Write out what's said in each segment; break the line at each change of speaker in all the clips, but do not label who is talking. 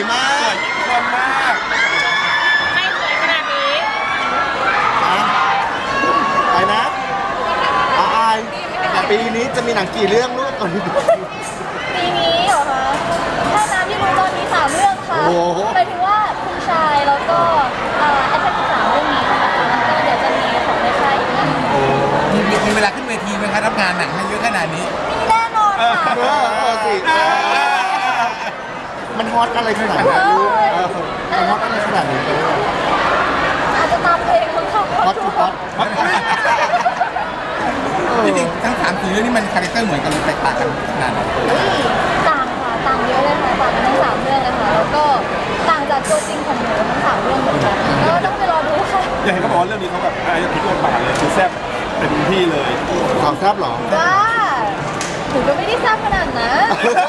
มากสวยมาก
ใครสวยขนาดนี้
ไปนะอายปีนี้จะมีหนังกี่เรื่องลูกก่อน
ปีนี้เหรอคะถ้าน้ำที่รู้ตอนนี้3 เรื่องค่ะหมายถึงว่าคุณชายแล้วก็แอดแทก3 เรื่องนี้นะคะแล้วก็เดี๋ยวจะมีของในค่ายอีกเรื่อง
มีเวลาขึ้นเวทีไหมคะรับงานหนังให้เยอะขนาดนี้
มีแน่นอนค่ะ
สิมันฮอตอะไรขนาดนี้ลูกมันฮอตอะไรขนาดนี้เลย
อาจจะตามเพลงของเขา
ฮอตฮอต
จริงๆทั้ง3-4เรื่องนี้มันคาแรคเตอร์เหมือนกันแตกต่างกันขนาดไหน
ต่างค่ะต่างเยอะเลยค่ะต่างกันทั้ง3 เรื่องเลยค่ะแล้วก็ต่างจากตัวจริงของหนูทั้ง3 เรื่องเหมือนกันก็ต้องไปรอดูค่ะ
อย่างเห็นเขาบอกว่าเรื่องนี้เขาแบบพลิกบทบาทเลยคือแซ่บเป็นที่เลย
ความแซ่บหรอ
ว้าหนูก็ไม่ได้ทราบขนาดนั้น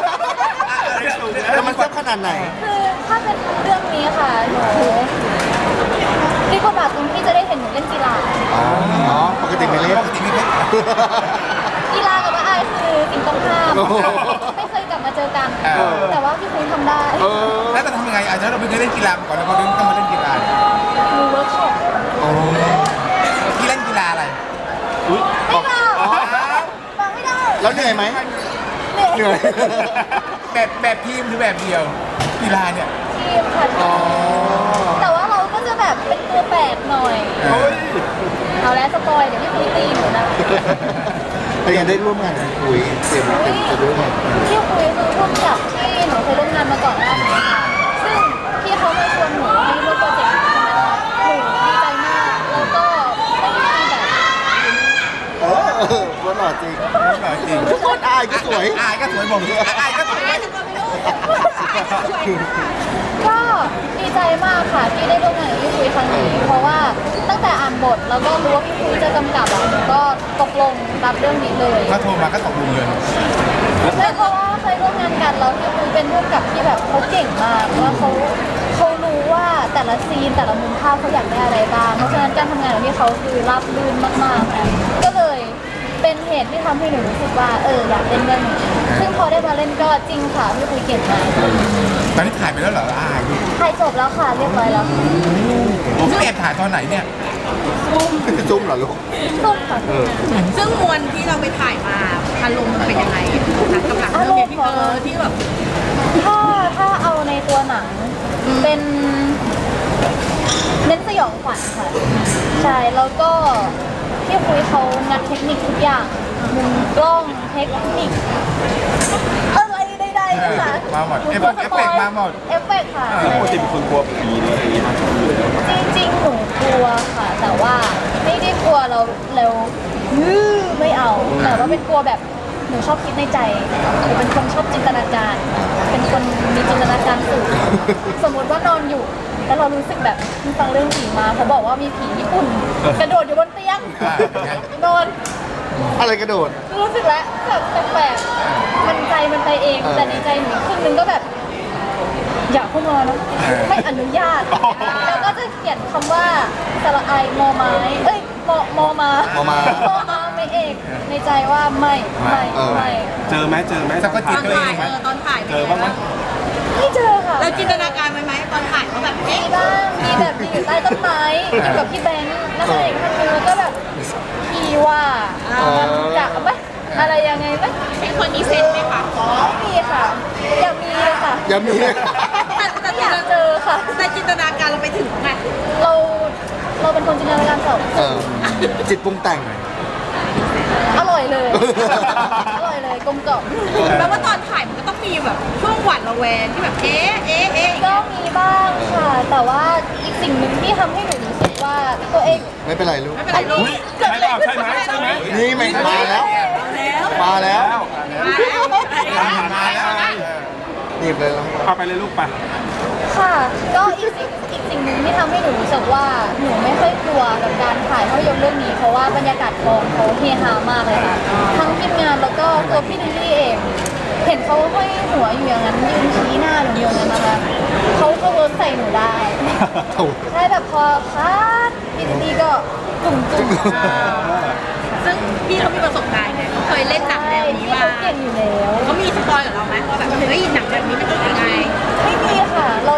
แล้วมันแซ่บขนาดไหน
คือถ้าเป็นเรื่องนี้ค่ะหนูพลิกบทบาทตรงที่จะได้เห็นหนูเล่นกีฬา
ปกติไม่เล่น
กีฬากับอายคือสิ่งตรงข้ามไม่เคยกลับมาเจอกันแต่ว่าพี่คุณทำได้
แล้วจะทำยังไงอาจจะเราไม่เคยเล่นกีฬาก่อนแล้วพอต้องมาเล่นกีฬา
หนูเวิร์กช็อป
พี่เล่นกีฬาอะไร
ไม่ค่ะฟังไม่ได้
แล้วเหนื่อยไหมเหนื่อย
แบบทีมหรือแบบเดียวกีฬาเนี่ย
ทีมค่ะแต่ว่าเราก็จะแบบเป็นตัวแปลกหน่อยเอาแล้วสปอยเดี๋ยวพี่คุยตีหนูนะ
แต่ยังได้ร่วมงานกับคุยเต็มจะร่วมงาน
พี่คุยคือร่วมกับที่หนูเคยร่วมงานมาก่อนหน้านี้ค่ะซึ่งพี่เขามาชวนหนูให้ร่วมโปรเจกต์นี้หนูดีใจมากแล้วก็ไม่มีแบบ
ว่าหล่อจริงทุกคนอายก็สวย
บอกเลยอายก็สวย
ก็ดีใจมากค่ะที่ได้ร่วมงานกับพี่คุยครั้งนี้เพราะว่าตั้งแต่อ่านบทแล้วก็รู้ว่าพี่คุยจะกำกับหนูก็ตกลงรับเรื่องนี้เลย
ถ้าโทรมาก็ตกลงเลย
ใช่เพราะว่าเคยร่วมงานกันแล้วพี่คุยเป็นร่วมกับที่แบบเขาเก่งมากว่าเขารู้ว่าแต่ละซีนแต่ละมุมภาพเขาอยากได้อะไรบ้างเพราะฉะนั้นการทำงานของพี่เขาคือราบรื่นมากๆก็เลยเป็นเหตุที่ทำให้หนูรู้สึกว่าอยากเล่นเรื่องนี้ซึ่งพอได้มาเล่นก็จริงค่ะพี่คุยเก่งมาก
ตอนนี้ถ่ายไปแล้วเหรอ
ถ่ายจบแล้วค่ะเรียบร้อยแล้ว
ผมแอบถ่ายตอนไหนเนี่ย
จุ้มเหรอลูก
จุ้มค่ะ
ซึ่งมวลที่เราไปถ่ายมาอารมณ์มันเป็นยังไงกับหลังเรื่องนี้ที่แบบ
ถ้าเอาในตัวหนังเป็นเน้นสยองขวัญค่ะใช่แล้วก็ที่คุยเขางัดเทคนิคทุกอย่างมุมกล้องเทคนิคอะไรใดๆนะคะ
มาหมดเอฟเฟกมาหมด
เอฟเฟกค่ะ
ปกติเป็นคนกลัวผีนี่
จริงๆหนูกลัวค่ะแต่ว่าไม่ได้กลัวเราไม่เอาแต่ว่าเป็นกลัวแบบหนูชอบคิดในใจหนูเป็นคนชอบจินตนาการเป็นคนมีจินตนาการสูงสมมติว่านอนอยู่แล้วเรารู้สึกแบบฟังเรื่องผีมาเขาบอกว่ามีผีญี่ปุ่นกระโดดอยู่บนเตียงนอน
อะไรกระโดด
รู้สึกแล้วแบบแปลกๆมันใจมันไปเองแต่ในใจหนูครึ่งนึงก็แบบอยากเข้ามานะไม่อนุญาตแล้วก็จะเขียนคำว่าสระไอมอไม้มอมาไม่เอกในใจว่าไม่
เจอไหม
สักก็จิตตัวเองไหม
ตอนถ่าย
เจอบ้างไหม
ไม่เจอค่ะ
แล้วจินตนาการไหมตอนถ่ายเขาแบบ
มีบ้างมีแบบอยู่ใต้ต้นไม้อยู่กับพี่แบงค์นักแสดงท่านนึงแล้วก็แบบพี่ว่าจะไหมอะไรยังไงไหม
เป็นคนมีเซนไหมคะ
ไม่มีค่ะอย่ามีค่ะ
อย่ามี
แต่อยากเจอค่ะ
แต่จินตนาการเราไปถึงไง
เราเป็นคนจินตนาการสอง
จิตปรุงแต่ง
อร่อยเลยกลมกล่อม
แปลว่าตอนถ่ายมันก็ต้องมีแบบช่วงหวาดระแวงที่แบบ
ก็มีบ้างค่ะแต่ว่าอีกสิ่งหนึ่งที่ทำให้หนูรู้สึกว่าตัวเอง
ไม่เป็นไรลูก
ไม่เป็นไรลูก
ใช่ไหม
นี่ไม่มาแล้วนี่เลยแล้ว
พาไปเลยลูกไป
ค่ะก็อีกสิ่งหนึ่งที่ทำให้หนูรู้สึกว่าหนูไม่ค่อยกลัวกับการถ่ายภาพยนตร์เรื่องนี้เพราะว่าบรรยากาศกองเขาเฮฮามากเลยค่ะทั้งทีมงานแล้วก็ตัวพี่ลิลลี่เองเห็นเขาห้อยหัวอยู่อย่างนั้นยืนชี้หน้าหนูอยู่อย่างนั้นนะคะเขาเวิร์กใส่หนูได้ใช่แบบพอคัดพี่ลิลลี่ก็จุ่ม
ซึ่งพี่เขามีประสบการณ์ไงเขาเคยเล่นหนังแบบนี้มา
เก่งอยู่แล้ว
เขามีสปอยกับเราไหมว่าแบบเฮ้ยหนังแบบนี้มันเป็นยังไง
ไม่มีค่ะเรา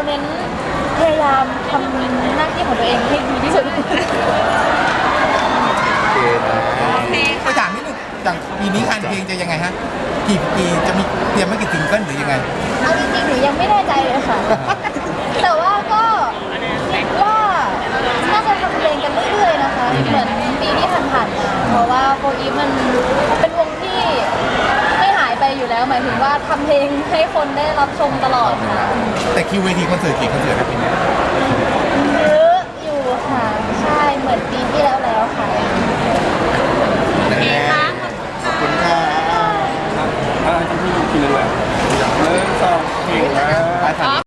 จากปีนี้งานเพลงจะยังไงฮะกี่จะมีเตรียมไว้กี่ซิงเกิลหรือยังไง
เอาจริงๆหนูยังไม่แน่ใจเลยค่ะ แต่ว่าก็คิดว่าน่าจะทำเพลงกันเรื่อยๆนะคะ เหมือนปีที่ผ่านๆมา เพราะว่าโฟอีฟมันเป็นวงที่ไม่หายไปอยู่แล้ว หมายถึงว่าทำเพลงให้คนได้รับชมตลอดค่ะ
แต่คิวเวทีคอนเสิร์ตกี่คอนเสิร์ตนะปีนี้